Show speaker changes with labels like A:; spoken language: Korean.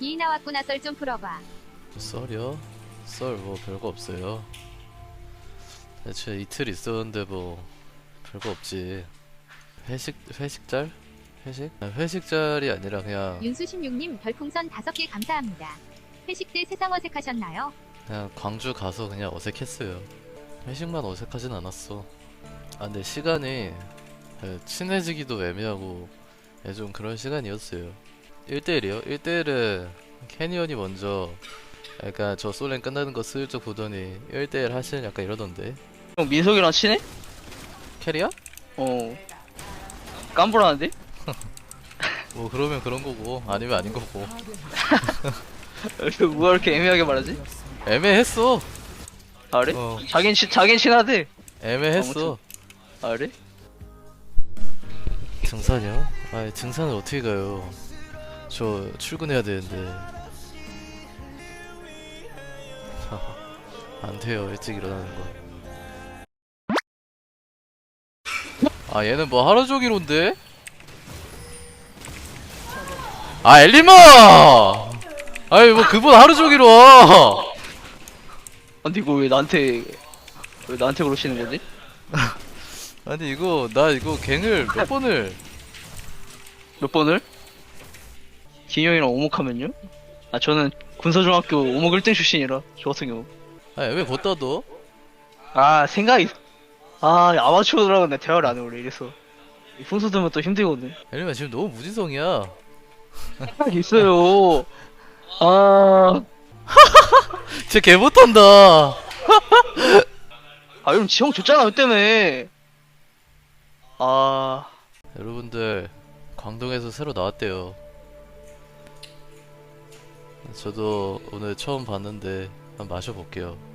A: 기 나왔구나. 썰 좀 풀어봐.
B: 썰이요? 썰 뭐 별거 없어요. 대체 이틀 있었는데 뭐 별거 없지. 회식짤? 회식? 회식짤이 아니라 그냥
A: 윤수16님 별풍선 5개 감사합니다. 회식 때 세상 어색하셨나요?
B: 그냥 광주 가서 그냥 어색했어요. 회식만 어색하진 않았어. 아 근데 시간이 친해지기도 애매하고 좀 그런 시간이었어요. 1대1이요? 1대1은 캐니언이 먼저 약간 저 솔랭 끝나는 거 슬쩍 보더니 1대1 하시는 약간 이러던데.
C: 형 민석이랑 친해?
B: 캐리야?
C: 어 깜불하는데?
B: 뭐 그러면 그런 거고 아니면 아닌 거고.
C: 뭐가 이렇게 애매하게 말하지?
B: 애매했어.
C: 아 그래?
B: 어.
C: 자긴 친하대.
B: 애매했어.
C: 아 그래?
B: 등산이요? 아 등산을 어떻게 가요? 저 출근해야 되는데. 안 돼요 일찍 일어나는 거. 아 얘는 뭐 하루 종일 온대? 아 엘리마! 아니 뭐 그분 하루 종일 와.
C: 근데 이거 왜 나한테 그러시는 거지?
B: 아니 이거 나 이거 갱을 몇 번을
C: 몇 번을? 기영이랑 오목하면요? 아 저는 군사중학교 오목 1등 출신이라 저 같은 경우.
B: 아니 왜 걷다 둬?
C: 아 생각이 아마추어들하고 내 대화를 안 해 원래 이래서 풍수 들면 또 힘들거든.
B: 엘리마 지금 너무 무지성이야.
C: 생각이 있어요. 아
B: 진짜 개 못한다.
C: 그럼 지형 줬잖아 그 때문에. 아
B: 여러분들 광동에서 새로 나왔대요. 저도 오늘 처음 봤는데 한번 마셔볼게요.